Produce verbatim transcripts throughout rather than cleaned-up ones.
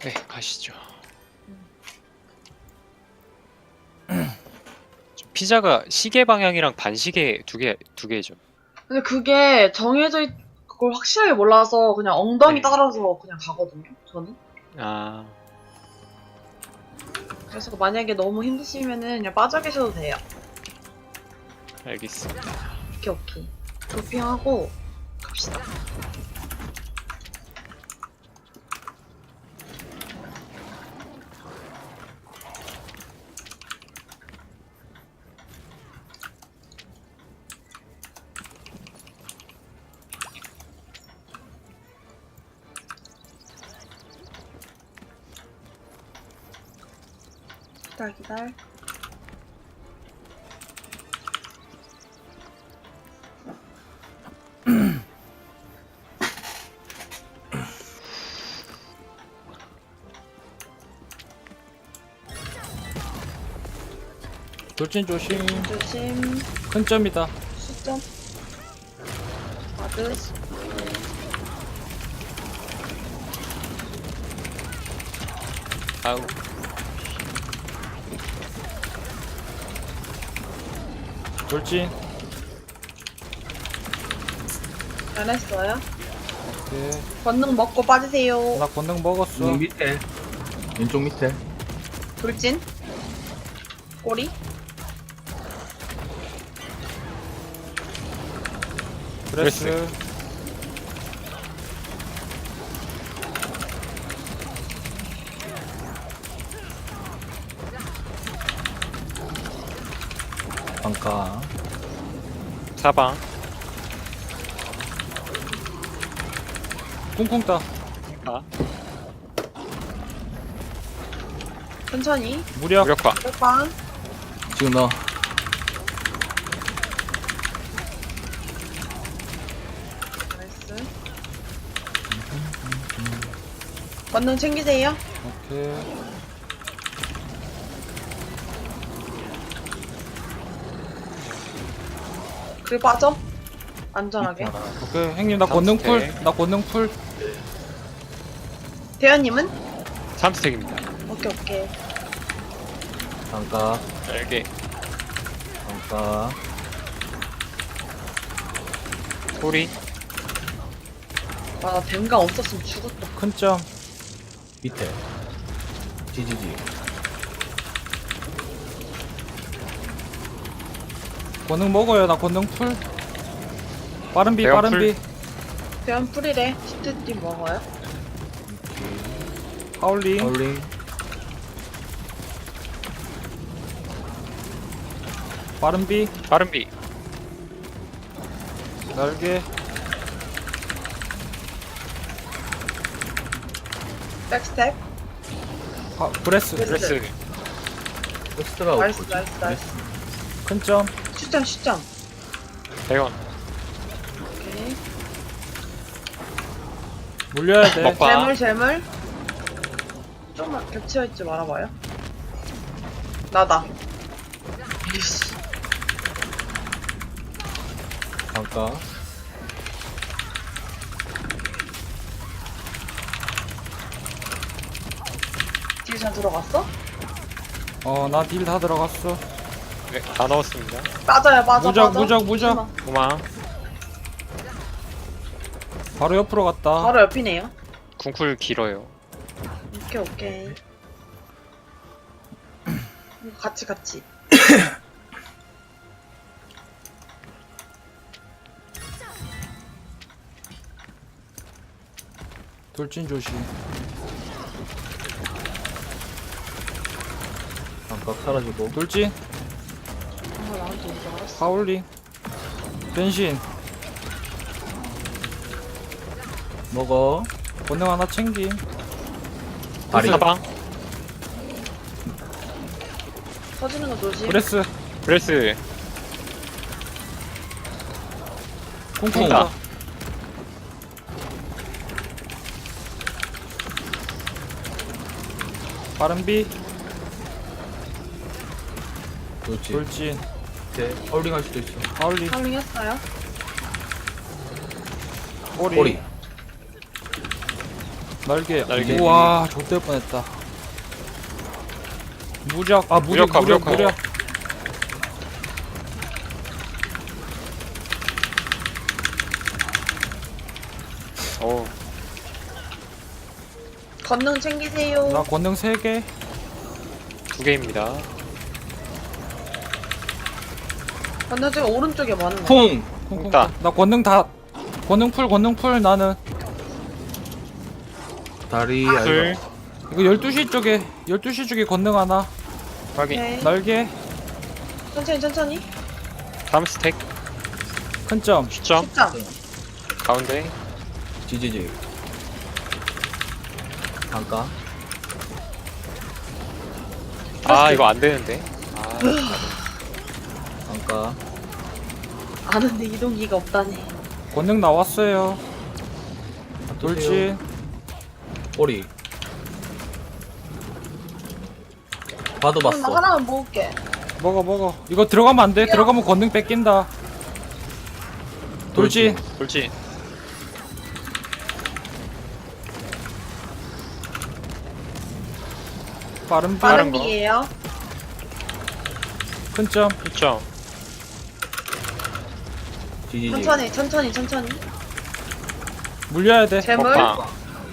네, 가시죠. 좀 피자가 시계 방향이랑 반시계 두 개, 두 개죠. 근데 그게 정해져 있, 그걸 확실하게 몰라서 그냥 엉덩이 네. 따라서 그냥 가거든요, 저는. 아, 그래서 만약에 너무 힘드시면은 그냥 빠져 계셔도 돼요. 알겠습니다. 오케이, 오케이. 도핑하고 갑시다. 기다려, 기다려. 돌진 조심. 조심. 큰 점이다. 수점. 와드. 아우, 돌진. 잘했어요. 오케이. 권능 먹고 빠지세요. 나 권능 먹었어. 왼쪽 밑에 왼쪽 밑에 돌진. 꼬리. 브레스. 방가 사방. 쿵쿵 따. 아, 천천히. 무력. 무력화. 뼈빵. 지금 너 나이스. 권능 챙기세요. 오케이. 그리고 빠져. 안전하게. 오케이. 형님 나 권능 풀. 삼스택. 나 권능 풀. 대현님은? 삼 스택입니다. 오케이, 오케이. 방가 날개. 방가 소리. 와, 나 뱀가 없었으면 죽었다. 큰 점. 밑에 지지지 권능 먹어요. 나 권능 풀. 빠른 비 대형 빠른 풀. 비. 대현 풀이래. 시트띠 먹어요. 하울링. 하울링 빠른 비. 빠른 비. 날개. 백스텝. 하, 브레스. 브레스. 브레스. 퀘스트가 나이스, 없고 나이스, 나이스. 큰 점. 슈점, 슈점. 대원. 오케이. 물려야 돼. 먹- 봐. 재물, 재물. 좀만 겹쳐있지 말아봐요. 나다. 이씨. 방가 딜 잘 들어갔어? 어, 나 딜 다 들어갔어. 네, 다 넣었습니다. 맞아요, 맞아, 무적, 맞아. 무적, 무적. 잠시만. 도망. 바로 옆으로 갔다. 바로 옆이네요. 궁쿨 길어요. 오케이, 오케이. 이거 같이, 같이. 돌진 조심. 방가 사라지고 돌진. 아, 나한테 오지 알았어. 하울링. 변신. 먹어 권능 하나 챙김. 다리 사방. 터지는 거 조심. 브레스. 브레스. 쿵쿵 쿵따. 따. 빠른 비. 그렇지 돌진. 밑에 하울링 할 수도 있어 하울링. 하울링 했어요. 꼬리. 꼬리 날개. 날개. 우와, 좆될 뻔했다. 무적. 아, 무력, 무력화, 무력, 무력화. 무력. 어 건능 챙기세요. 나 권능 세 개. 두 개입니다. 건능 지금 오른쪽에 많은 거. 쿵! 쿵쿵. 있다. 나 권능 다. 권능 풀, 권능 풀. 나는. 다리 둘 알바. 이거 열두 시 쪽에, 열두 시 쪽에 권능 하나. 확인. 네. 날개. 천천히 천천히. 다음 스택 큰 점. 시점 십장. 가운데. 지지직. 잠깐. 아 이거 안 되는데. 아 잠깐. 아는데 이동기가 없다네. 권능 나왔어요. 돌진. 꼬리. 봐도 그럼 나 봤어. 하나만 먹을게. 먹어, 먹어. 이거 들어가면 안 돼. 들어가면 권능 뺏긴다. 돌진. 돌진. 빠른 비. 빠른 거. 비예요. 큰 점. 시점. 지지직. 천천히 천천히 천천히. 물려야 돼. 재물. 먹방.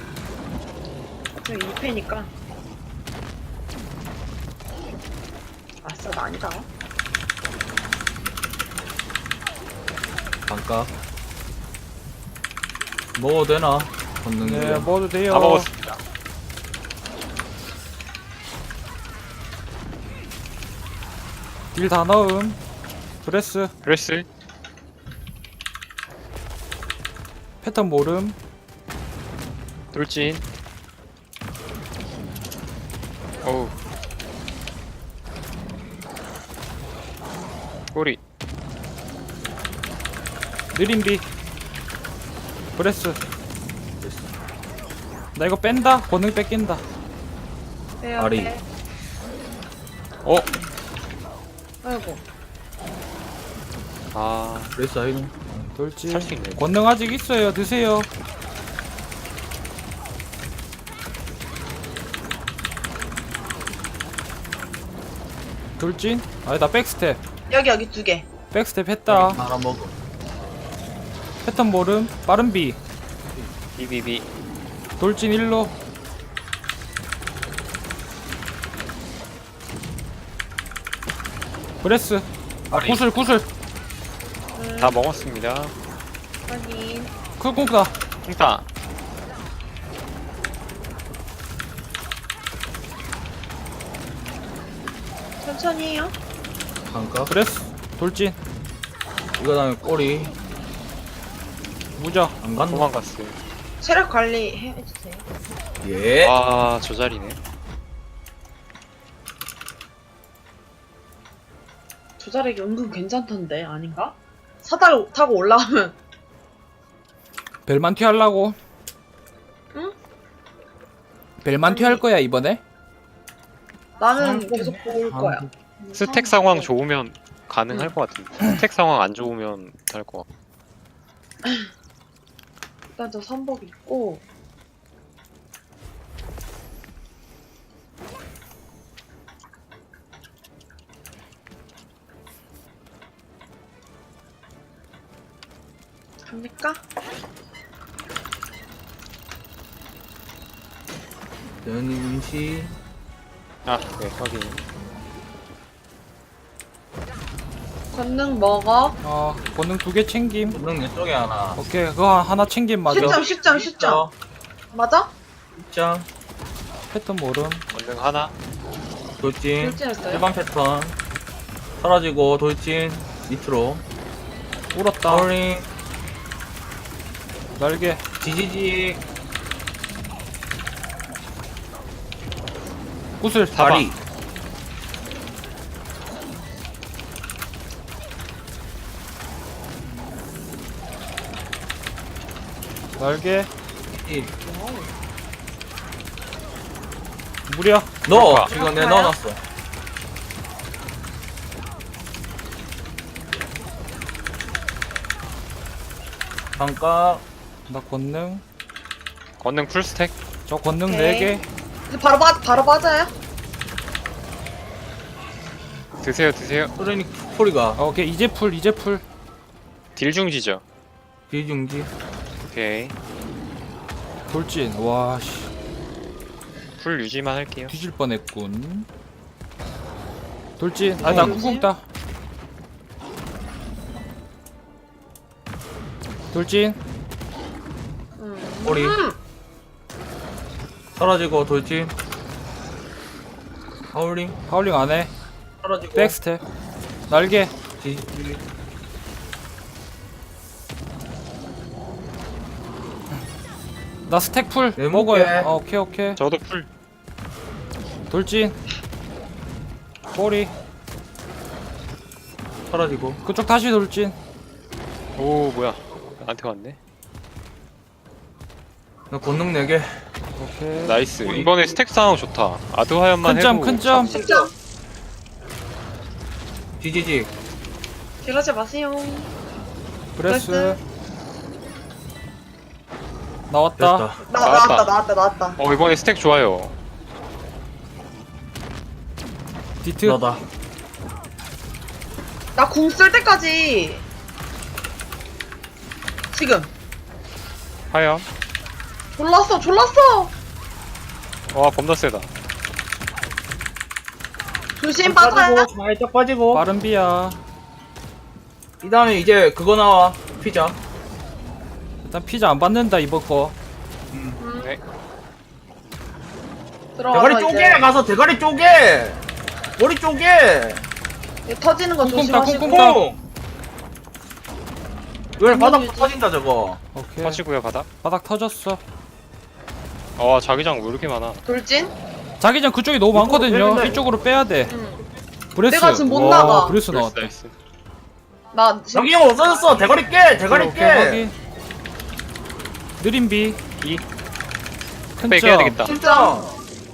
저 이 패니까. 아싸 나 아니다. 잠깐. 먹어도 되나? 걷는 네, 거. 먹어도 돼요. 다 먹었습니다. 딜 다 넣음. 브레스. 브레스. 패턴 모름. 돌진. 어우. 꼬리. 느림비. 브레스. 나 이거 뺀다. 권능 뺏긴다. 빼요. 아리. 빼. 어. 아이고. 아 그래서 아이는 돌진. 살 수 있네. 권능 아직 있어요. 드세요. 돌진. 아니다, 백스텝. 여기 여기 두 개. 백스텝 했다. 하나 먹어. 패턴 모름. 빠른 비. 비비비. 돌진 일로. 브레스. 아, 아리. 구슬, 구슬. 음, 다 먹었습니다. 확인. 쿨콩크다. 홍타. 천천히 해요. 잠깐. 브레스. 돌진. 이거 다음에 꼬리. 무적. 안 간다. 도망갔어요. 체력 관리 해주세요. 예. 아, 저 자리네. 조자력이 은근 괜찮던데 아닌가? 사다리 타고 올라가면 벨만티 하려고. 응? 벨만티 아니. 할 거야, 이번에? 나는 아, 계속 보고 올 거야. 스택 상황 좋으면 가능할 것 같은데. 스택 상황 안 좋으면 할 것 같고. 일단 저 삼복 있고 갑니까? 대현님 시. 아, 네, 확인. 권능 먹어. 어, 권능 두 개 챙김. 걷는 내 쪽에 하나. 오케이, 그거 하나 챙김 맞아. 십점 십점 십점 맞아? 입장. 패턴 모름. 권능 하나. 돌진. 돌진했어요? 일반 패턴. 사라지고 돌진. 밑으로. 울었다. 파울링. 날개. 지지직. 구슬. 다리. 날개. 이. 무려. 넣어. 아까. 지금 내가 아까요? 넣어놨어. 잠깐. 나 권능. 권능 풀 스택. 저 권능 오케이. 네 개. 이제 바로 빠 바로 빠져요? 드세요 드세요. 소련이 소리가 어, 오케이 이제 풀 이제 풀. 딜 중지죠. 뒤중지. 오케이. 돌진. 와씨 풀 유지만 할게요. 뒤질 뻔했군. 돌진. 아나 돌진. 쿵쿵 따. 돌진. 음. 꼬리. 음. 사라지고 돌진. 하울링. 하울링 안 해. 사라지고. 백스텝. 날개. 뒤지. 나 스택 풀 네, 먹어요. 먹게. 어, 오케이 오케이. 저도 풀. 돌진. 꼬리. 사라지고. 그쪽 다시 돌진. 오 뭐야? 나한테 왔네. 나 권능 네 개. 오케이. 나이스. 이번에 스택 상황 좋다. 아드 화염만 큰 점, 해도 큰 점. 진짜 뒤지지. 그러지 마세요. 브레스. 브레스. 나왔다. 됐다. 나 나왔다. 나왔다 나왔다 나왔다. 어 이번에 스택 좋아요. 디트. 나다. 나 궁 쓸 때까지 지금 화염. 졸랐어 졸랐어. 와 겁나 세다. 조심 빠져요. 빠지고 살짝 빠지고. 빠른 비야. 이 다음에 이제 그거 나와. 피자. 일단 피자 안 받는다 이번 거. 음. 네. 들어가서 대가리 쪼개 이제 가서 대가리 쪼개. 머리 쪼개. 이제 터지는 거 쿵쿵 따, 조심하시고. 쿵쿵 따. 콩. 왜 바닥 유지. 터진다 저거. 오케이. 터지고요 바닥. 바닥 터졌어. 와 자기장 왜 이렇게 많아? 돌진. 자기장 그쪽이 너무 이쪽으로 많거든요. 빼는데. 이쪽으로 빼야 돼. 음. 브레스. 내가 지금 못 와, 나가. 브레스 나이스 나왔다. 나이스. 나 지금 여기 형 없어졌어. 대가리 깨. 대가리 오케이, 깨. 확인. 느린 비. 이. 큰 빼야 점. 되겠다. 진짜.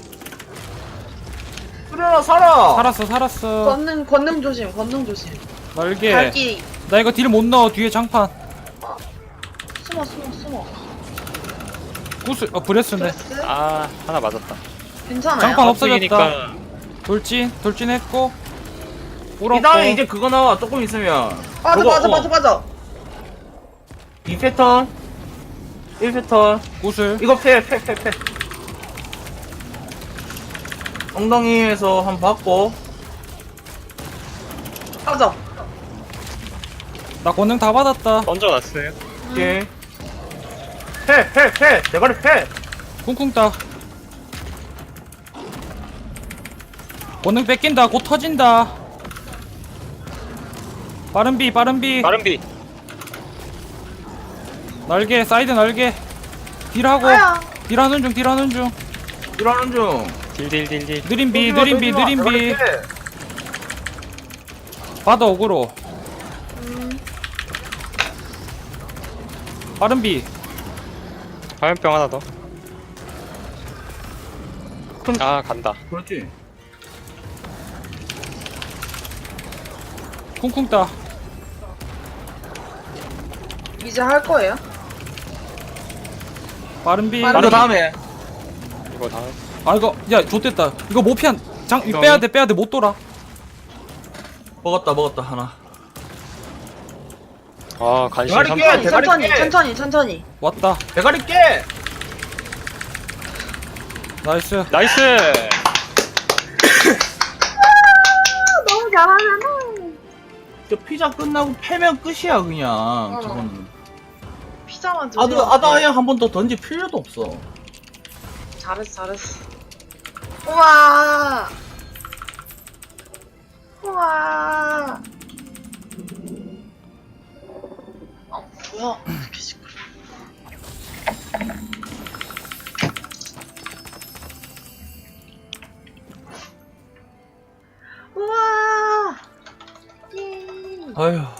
수련아 살아. 살았어, 살았어. 권능 권능 조심 권능 조심. 날개. 발길이 나 이거 딜 못 넣어. 뒤에 장판. 숨어 숨어 숨어. 구슬. 어, 브레스네. 브레스. 아 하나 맞았다. 괜찮아요. 장판 없어졌다. 없어지니까 돌진. 돌진했고. 이 울었고. 다음에 이제 그거 나와. 조금 있으면. 빠져 저거, 빠져 어. 빠져 빠져. 이 패턴. 일 패턴. 구슬. 이거 패, 패, 패, 패. 엉덩이에서 한 번 받고. 빠져. 나 권능 다 받았다. 던져놨어요. 오케이. 패, 패, 패. 대가리 패. 쿵쿵 따. 권능 뺏긴다. 곧 터진다. 빠른 비, 빠른 비. 빠른 비. 날개, 사이드 날개. 딜하고. 아야. 딜하는 중, 딜하는 중. 일하는 중. 딜딜딜딜. 느린 비, 던지마, 느린 비, 던지마. 느린 비. 대가리 패. 받아, 어그로. 음. 빠른 비. 화염병 하나 더. 큰- 아 간다. 그렇지. 쿵쿵 따. 이제 할 거예요. 빠른 비. 빠른 이거 다음에. 이거 다음. 아, 이거, 야, 좋됐다. 이거 못 피한. 장, 이거 이거 빼야 돼, 빼야 돼. 못 돌아. 먹었다, 먹었다, 하나. 아 간신 대가리 삼. 깨! 천천히 대가리 천천히 깨! 천천히 천천히. 왔다. 대가리 깨! 나이스. 나이스. 너무 잘하잖아. 저 피자 끝나고 패면 끝이야, 그냥. 어. 저거는. 피자만 아드, 조심. 아다야 한 번 더 던질 필요도 없어. 잘했어 잘했어. 우와. 우와. 어 뭐야? 이렇게 시끄러. 우와. 예. 아휴.